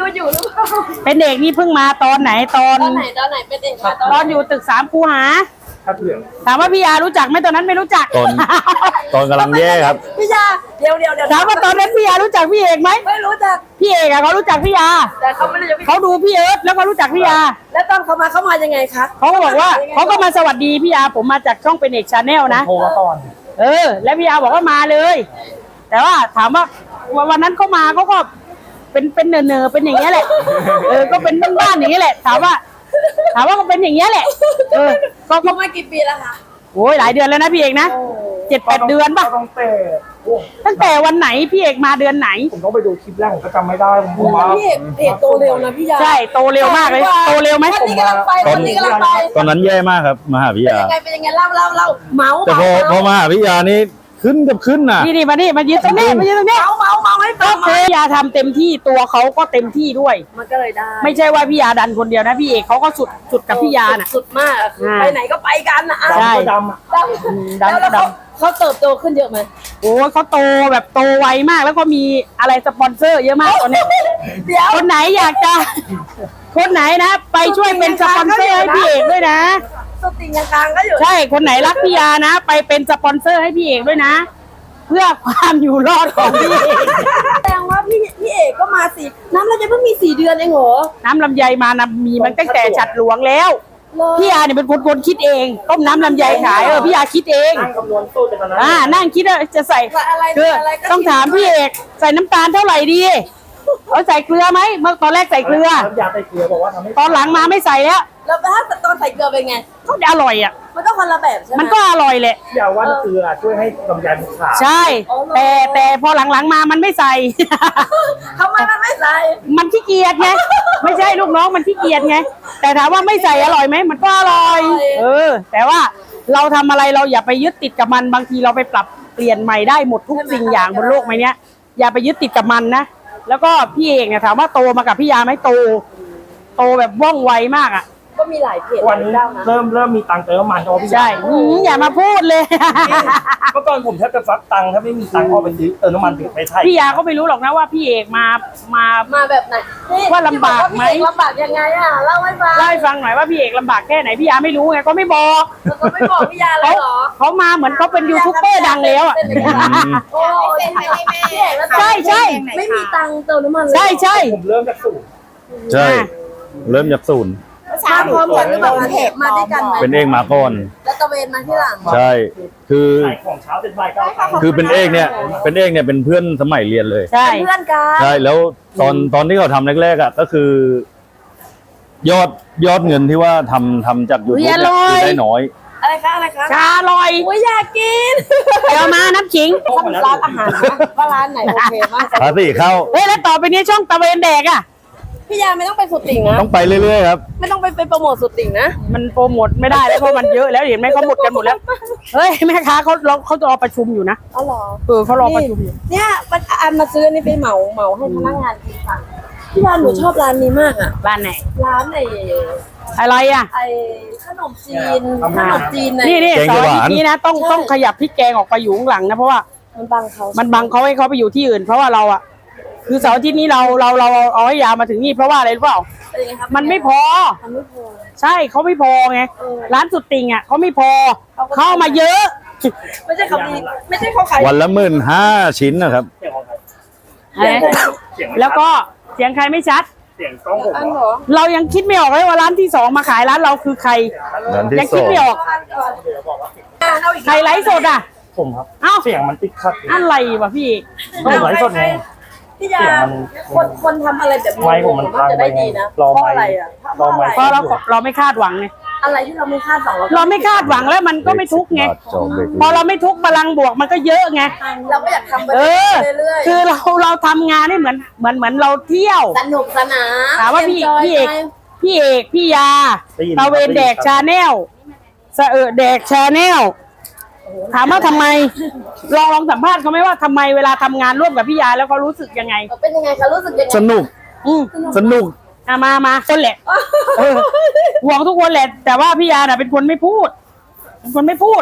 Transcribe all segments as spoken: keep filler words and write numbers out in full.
อยู่หรือเปล่าเป็นเด็กนี่เพิ่งมาตอนไหนตอนตอนไหนตอนไหนเป็นเด็กมาตอนอยู่ตึกสามคูหาถามว่าพี่ยารู้จักไหมตอนนั้นไม่รู้จักตอนตอนกำลังแย่ครับพี่ยาเดี๋ยวเดี๋ยวเดี๋ยวถามว่าตอนนั้นพี่ยารู้จักพี่เอกไหมไม่รู้จักพี่เอกอะเขารู้จักพี่ยาแต่เขาไม่รู้จักเขาดูพี่เอิร์ธแล้วก็รู้จักพี่ยาแล้วตอนเขามาเขามายังไงคะเขาก็บอกว่าเขาก็มาสวัสดีพี่ยาผมมาจากช่องเป็นเอกชาแนลนะโทรมาก่อนเออแล้วพี่ยาบอกว่ามาเลย แต่ว่าถามว่าวันนั้นเขามาเขาก็เป็นเป็นเนอเนอเป็นอย่างเงี้ยแหละเออก็เป็นบ้านๆอย่างเงี้ยแหละถามว่าถามว่าเขาเป็นอย่างเงี้ยแหละเออก็เขามากี่ปีแล้วคะโอ้ยหลายเดือนแล้วนะพี่เอกนะเจ็ดแปดเดือนป่ะตั้งแต่ตั้งแต่วันไหนพี่เอกมาเดือนไหนผมต้องไปดูคลิปแรกผมก็จำไม่ได้ผมว่าพี่เอกเพจโตเร็วนะพี่ยาใช่โตเร็วมากเลยโตเร็วไหมคนนี้กำลังไปคนนี้กำลังไปตอนนั้นแย่มากครับมาหาพี่ยาเป็นยังไงเป็นยังไงเล่าเล่าเล่าเมาแต่พอพอมาหาพี่ยานี่ขึ้นกับขึ้นน่ะนี่นี่มานี่มายืนตรงนี้มายืนตรงนี้เมาเมาเมาให้ฟังพี่ยาทำเต็มที่ตัวเขาก็เต็มที่ด้วยมันก็เลยได้ไม่ใช่ว่าพี่ยาดันคนเดียวนะพี่เอกเขาก็สุดสุดกับพี่ยาน่ะสุดมากไปไหนก็ไปกันนะใช่ดำดำดำก็ดำเขาเติบโตขึ้นเยอะไหมโอ้เขาโตแบบโตไวมากแล้วก็มีอะไรสปอนเซอร์เยอะมากตอนนี้เดี๋ยวคนไหนอยากจะคนไหนนะไปช่วยเป็นสปอนเซอร์ให้พี่เอกด้วยนะสติยังกลางก็อยู่ใช่คนไหนรักพี่ยานะไปเป็นสปอนเซอร์ให้พี่เอกด้วยนะเพื่อความอยู่รอดของพี่เอกแสดงว่าพี่พี่เอกก็มาสี่น้ำลำไยเพิ่งมีสี่เดือนเองเหรอน้ำลำไยมานะมีมันตั้งแต่ฉัดหลวงแล้วพี่ยาเนี่ยเป็นคนคนคิดเองต้มน้ำลำไยขายเออพี่ยาคิดเองนั่งคำนวณสูตรจากนั้นอ่านั่งคิดว่าจะใส่คือต้องถามพี่เอกใส่น้ำตาลเท่าไหร่ดีเอาใส่เกลือไหมเมื่อตอนแรกใส่เกลืออยากใส่เกลือบอกว่าทำให้ตอนหลังมาไม่ใส่แล้วแล้วถ้าตอนใส่เกลือเป็นไงก็อร่อยอ่ะมันต้องคนละแบบใช่ไหมมันก็อร่อยแหละอย่าว่าเกลือช่วยให้ลำไยมันขาวใช่แต่แต่พอหลังๆมามันไม่ใส่ทำไมมันไม่ใส่มันขี้เกียจไงไม่ใช่ลูกน้องมันขี้เกียจไงแต่ถามว่าไม่ใส่อร่อยไหมมันก็อร่อยเออแต่ว่าเราทำอะไรเราอย่าไปยึดติดกับมันบางทีเราไปปรับเปลี่ยนใหม่ได้หมดทุกสิ่งอย่างบนโลกใบนี้อย่าไปยึดติดกับมันนะแล้วก็พี่เอกเนี่ยถามว่าโตมากับพี่ยาไหมโตโตแบบว่องไวมากอ่ะก็มีหลายเพจวันนี้เริ่มเริ่มมีตังค์เติมน้ำมันเพราะพี่ใช่อย่ามาพูดเลยเมื่อก่อนผมแทบจะฟักตังค์ถ้าไม่มีตังค์ก็ไปซื้อเติมน้ำมันไปไทยพี่ยาก็ไม่รู้หรอกนะว่าพี่เอกมามามาแบบไหนว่าลำบากไหมลำบากยังไงอ่ะเล่าให้ฟังเล่าให้ฟังหน่อยว่าพี่เอกลำบากแค่ไหนพี่ยาไม่รู้ไงก็ไม่บอกก็ไม่บอกพี่ยาเลยเหรอเขามาเหมือนเขาเป็นยูทูบเบอร์ดังแล้วอ่ะโอ้ใช่ใช่ไม่มีตังค์เติมน้ำมันใช่ใช่ผมเริ่มจากศูนย์ใช่เริ่มจากศูนย์มาพร้อมกันหรือเปล่าเทปมาด้วยกันไหมเป็นเอกมาก่อนแล้วตะเวนมาที่หลังใช่คือของเช้าเป็นบ่ายก็คือเป็นเอกเนี่ยเป็นเอกเนี่ยเป็นเพื่อนสมัยเรียนเลยใช่เพื่อนกันใช่แล้วตอนตอนที่เขาทำแรกๆอ่ะก็คือ ยอดยอดเงินที่ว่าทำทำจากยูทูบเนี่ยได้น้อยอะไรคะอะไรคะชาลอยโอ้ยอยากกินเดี๋ยวมาน้ำขิงทำร้านอาหารว่าร้านไหนโอเคมากภาษีเข้าเฮ้ยแล้วต่อไปนี้ช่องตะเวนแดกอ่ะพี่ยาไม่ต้องไปสุดติ่งนะต้องไปเรื่อยๆครับไม่ต้องไปไปโปรโมทสุดติ่งนะมันโปรโมทไม่ได้แล้วเพราะมันเยอะแล้วเห็นไหมเขาหมดกันหมดแล้วเฮ้ยแม่ค้าเขาเขาจะรอประชุมอยู่นะอ๋อเหรอเออเขารอประชุมอยู่เนี่ยอันมาซื้อนี่ไปเหมาเหมาให้พนักงานกินค่ะพี่ยาหนูชอบร้านนี้มากอ่ะร้านไหนร้านไหนอะไรอ่ะไอขนมจีนขนมจีนนี่นี่สอนนี้นะต้องต้องขยับพริกแกงออกไปอยู่ข้างหลังนะเพราะว่ามันบังเขามันบังเขาให้เขาไปอยู่ที่อื่นเพราะว่าเราอ่ะคือเสาร์อาทิตย์นี้เราเราเราเอาให้ยามาถึงนี่เพราะว่าอะไรรู้เปล่ามันไม่พอใช่เขาไม่พอไงร้านสุดติ่งอ่ะเขาไม่พอเข้ามาเยอะไม่ใช่เขาไม่ใช่เขาขายวันละหมื่นห้าชิ้นนะครับแล้วก็เสียงใครไม่ชัดเสียงกล้องผมเรายังคิดไม่ออกเลยว่าร้านที่สองมาขายร้านเราคือใครยังคิดไม่ออกใครไลฟ์สดอ่ะผมครับเอ้าเสียงมันติดขัดอะไรวะพี่ก็ไลฟ์สดไงพี่ยาคนคนทำอะไรแบบนี้มันจะได้ดีนะเพราะอะไรอ่ะเพราะเราเราไม่คาดหวังไงอะไรที่เราไม่คาดหวังเราไม่คาดหวังแล้วมันก็ไม่ทุกไงพอเราไม่ทุกพลังบวกมันก็เยอะไงเราก็อยากทำไปเรื่อยๆคือเราเราทำงานให้เหมือนเหมือนเหมือนเราเที่ยวสนุกสนานถามว่าพี่พี่เอกพี่เอกพี่ยาตะเวนแดกชาแนลเสอแดกชาแนลถามว่าทำไมลองลองสัมภาษณ์เขาไหมว่าทำไมเวลาทำงานร่วมกับพี่ยาแล้วเขารู้สึกยังไงเป็นยังไงคะรู้สึกยังไงสนุกอืมสนุกมามามาคนแหละห่วงทุกคนแหละแต่ว่าพี่ยาน่ะเป็นคนไม่พูดเป็นคนไม่พูด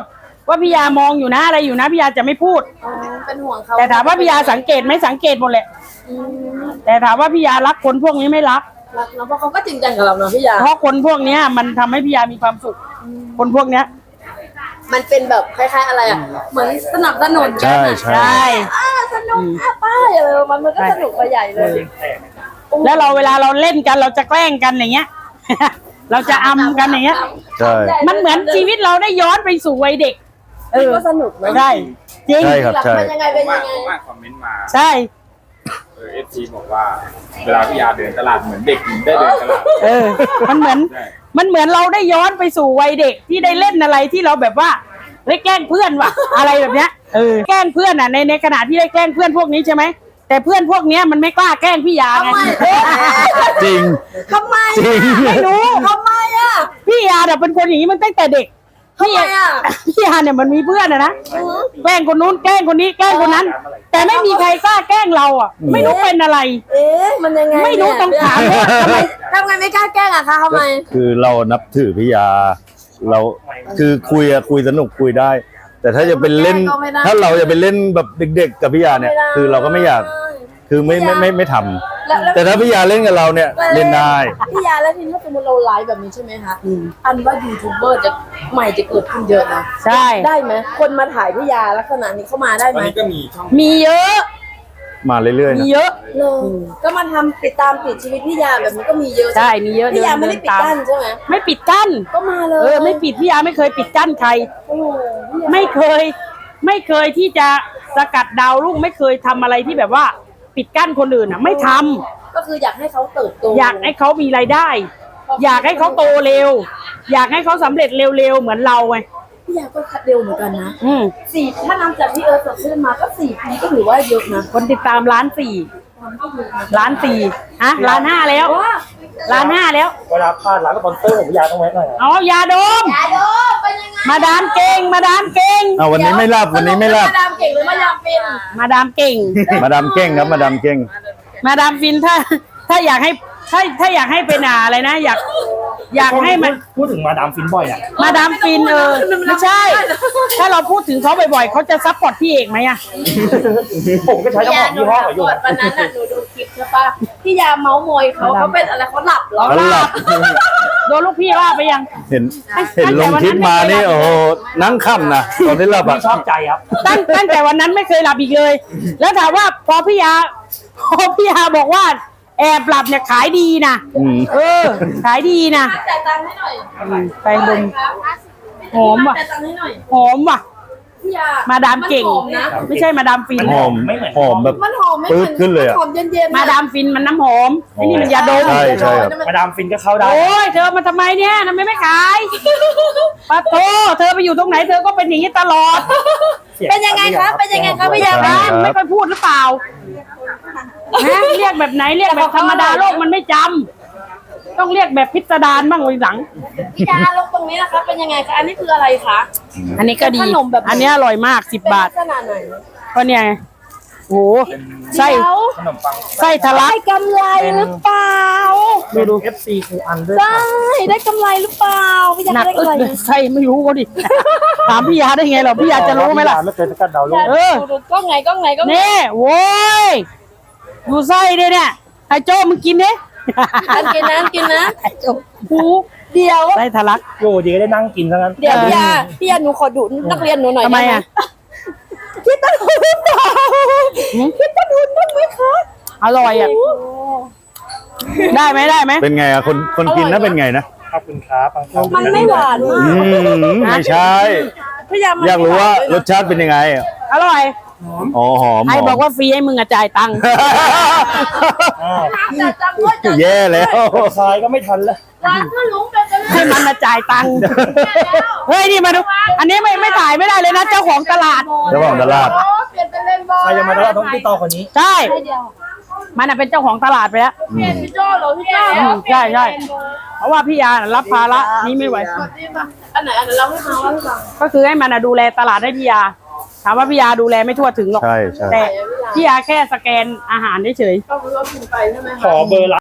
ว่าพี่ยามองอยู่นะอะไรอยู่นะพี่ยาจะไม่พูดอ๋อเป็นห่วงเขาแต่ถามว่าพี่ยาสังเกตไหมสังเกตหมดแหละอืมแต่ถามว่าพี่ยารักคนพวกนี้ไม่รักรักเนาะเพราะเขาก็จริงจังกับเราเนาะพี่ยาเพราะคนพวกเนี้ยมันทำให้พี่ยามีความสุข คนพวกเนี้ยมันเป็นแบบคล้ายๆอะไรอ่ะเหมือนสนับสนุนใช่กันอะใช่ใช่อ่าสนุกอ่ะป้าอะไรประมันมันก็สนุกไปใหญ่เลยแล้วเราเวลาเราเล่นกันเราจะแกล้งกันอย่างเงี้ย เราจะอำกันอย่างเงี้ยใช่มันเหมือนชีวิตเราได้ย้อนไปสู่วัยเด็ก เออก็สนุกนะใช่จริงใช่ครับหลักใช่มันยังไงเป็นว่ายังไงว่าคอมเมนต์มาใช่เออฟซีบอกว่า เวลาพี่ยาเดินตลาดเหมือนเด็กหญิงได้เดินตลาดเออ มันเหมือนใช่มันเหมือนเราได้ย้อนไปสู่วัยเด็กที่ได้เล่นอะไรที่เราแบบว่าเฮ้ยแกล้งเพื่อนว่ะ อะไรแบบเนี้ยเออแกล้งเพื่อนอ่ะในในขณะที่ได้แกล้งเพื่อนพวกนี้ใช่ไหมแต่เพื่อนพวกเนี้ยมันไม่กล้าแกล้งพี่ยาไงทำไมเออจริงทำไมจริงไม่รู้ทำไมอ่ะพี่ยาเนี่ยเป็นคนอย่างนี้มันตั้งแต่เด็กทำไมอ่ะพี่ยาเนี่ยมันมีเพื่อนอะนะแกล้งคนนู้นแกล้งคนนี้แกล้งคนนั้น แต่ไม่มีใครกล้าแกล้งเราอ่ะ ไม่รู้เป็นอะไรเอ๊ะมันยังไงไม่รู้ต้องถามว่าทำไมทำไงไม่กล้าแกล้งอ่ะคะทำไมคือเรานับถือพี่ยา เราคือคุยอะคุยสนุกคุยได้ แต่ถ้าจะเป็นเล่นก็ไม่ได้ถ้าเราจะไปเล่นแบบเด็ก ๆ กับพี่ยาเนี่ย คือเราก็ไม่อยาก คือไม่ไม่ไม่ไม่ทำแล้วแล้วแต่ถ้าพี่ยาเล่นกับเราเนี่ยเล่นได้พี่ยาแล้วทีนี้ถ้าสมมติเราไลฟ์แบบนี้ใช่ไหมคะอันว่ายูทูบเบอร์จะใหม่จะเกิดขึ้นเยอะนะใช่ได้ไหมคนมาถ่ายพี่ยาลักษณะนี้เข้ามาได้ตไหอนมนี้ก็มีช่องมีเยอะมาเรื่อยๆมีนะเยอะเลยก็มาทำติดตามติดชีวิตพี่ยาแบบนี้ก็มีเยอะใช่มีเยอะพี่ยาเดินไม่ได้ปิดเดินตามกั้นใช่ไหมไม่ปิดกั้นก็มาเลยเออไม่ปิดพี่ยาไม่เคยปิดกั้นใครโอ้โหพี่ยาไม่เคย ไม่เคยที่จะสกัดดาวรุ่งไม่เคยทำอะไรที่แบบว่าปิดกั้นคนอื่นอ่ะ ไม่ทำก็คืออยากให้เขาเติบโตอยากให้เขามีรายได้ อยากให้เขาโตเร็ว อยากให้เขาสำเร็จเร็วๆเหมือนเราไงพี่ยาก็คัดเร็วเหมือนกันนะอืมสี่ถ้านำจากที่เอิร์ธสดชื่นมาก็สี่ปีก็ถือว่าเยอะนะคนติดตามล้านสี่ล้านสี่ฮะล้านห้าแล้วว้าล้านห้าแล้วเวลาพลาดร้านสปอนเซอร์ผมพี่ยาต้องแวะหน่อยอะเอายาดมยาโดเป็นยังไงมาดามเก่ง มาดามเก่งเอาวันนี้ไม่รับวันนี้ไม่รับมาดามเก่งหรือมาดามเป็นมาดามเก่งมาดามเก้งครับมาดามเก้งมาดามฟินถ้า ถ้าอยากให้ถ้าถ้าอยากให้เป็นอ่าอะไรนะ อยาก อยากให้มันพูดถึงมาดามฟินบ่อยอ่ะมาดามฟินเออไม่ใช่ ถ้าเราพูดถึงเขาบ่อยๆเขาจะซัพพอร์ตพี่เอกไหมอะผมก็ใช้น้ำหอมยี่ห้อเขาอยู่ก่อนวันนั้นน่ะหนูดูคลิปใช่ปะพี่ยาเมาส์มอยเขาเขาเป็นอะไรเขาหลับเหรอเขาหลับโดนลูกพี่ว่าไปยังเห็นเห็นลงคลิปมานี่โอ้โหนั่งค่ำนะตอนที่หลับพี่อ่ะชอบใจครับตั้งตั้งแต่วันนั้นไม่เคยหลับอีกเลย แล้วถามว่าพอพี่ยา พอพี่ยาบอกว่า แอบหลับเนี่ยขายดีนะอืมเออ ขายดีนะจ่ายตังค์ให้หน่อยไปดมหอมว่ะจ่ายตังค์ให้หน่อยหอมว่ะพี่ยามาดามเก่งนหอมนะไม่ใช่มาดามฟินหอมหอมแบบมันหอมไม่เหปื๊มืดอนขึ้นเลยอะหอมเย็นๆมาดามฟินมันน้ำหอมไอ้นี่มันยาดมใช่ใช่ครับมาดามฟินก็เข้าได้โอ้ยเธอมาทำไมเนี่ยทำไมไม่ขายปะโถเธอไปอยู่ตรงไหนเธอก็เป็นอย่างนี้ตลอดเป็นยังไงครับเป็นยังไงครับพี่ยาใช่บ้านไม่ค่อยพูดหรือเปล่าฮะเรียกแบบไหนเรียกแบบธรรมดาโลกมันไม่จำต้องเรียกแบบพิสดารบ้างวันหลังพี่ยาลงตรงนี้นะคะเป็นยังไงคะอันนี้คืออะไรคะอันนี้ก็ดีขนมแบบไหนอันนี้อร่อยมากสิบเป็นบาทลักษณะไหนก็เนี่ยไงโอ้โหไส้เดี๋ยวขนมปังไส้ทะลักได้กำไรหรือเปล่าดูดู เอฟ ซี ครูอันด้วยได้ได้กำไรหรือเปล่าพี่ยาหนักได้อึกำดไรเลยไส้ไม่รู้ก็ดิ ถามพี่ยาได้ไงเหรอพี่ยาจะรู้ไหมล่ะไม่เคยสกัดดาวรุ่งเออดูดูกล้องไงกล้องไงกล้องไงนี่โว้ยดูไส้ดิเนี่ยไอ้โจ้มึงกินดิอันกินนะอันกินนะไอ้โจ้หูเดี๋ยวไส้ทะลักโอ้ดีก็ได้นั่งกินซะงั้นเดี๋ยวพี่ยาพี่ยาหนูขอดูนักเรียนหนูหน่อยทำไมด้หอ่ะคิดต้นทุนหรือเปล่าคิดต้นทุนบ้างไหมคะอร่อยอ่ะได้ไหมได้ไหมเป็นไงอ่ะคนคนกินนะเป็นไงนะขอบคุณครับบางครั้งมันไม่หวานมากอืมไม่ใช่พี่ยามันอยากรู้ว่าไม่หนรสชาติเป็นยังไงอ่ะอร่อยอ๋อหอมไอ้หมบอกว่าฟรีให้มึงอะจ่ายตังค์อ้าวจัดจังด้วยจัดแย่แล้วคายก็ไม่ทันแล้วร้านก็ลุงเป็นกันให้มันมาจ่ายตังค์เฮ้ยนี่มาดูอันนี้ไม่ไม่ถ่ายไม่ได้เลยนะเจ้าของตลาดเจ้าของตลาดอ๋อเปลี่ยนเป็นเลนส์บอลใครจะมาตลาดต้องติดต่อคนนี้ใช่เดียวมันอะเป็นเจ้าของตลาดไปแล้วเปลี่ยนพี่โจ้เหรอพี่โจ้อืมใช่ใช่เพราะว่าพี่ยาน่ะรับภาระนี้ไม่ไหวอันไหนอันไหนเราให้ฟังว่าให้ฟังก็คือให้มันอะดูแลตลาดให้พี่ยาถามว่าพี่ยาดูแลไม่ทั่วถึงหรอกใช่ใช่แต่พี่ยาแค่สแกนอาหารเฉยก็รู้ว่ากินไปใช่ไหมขอเบอร์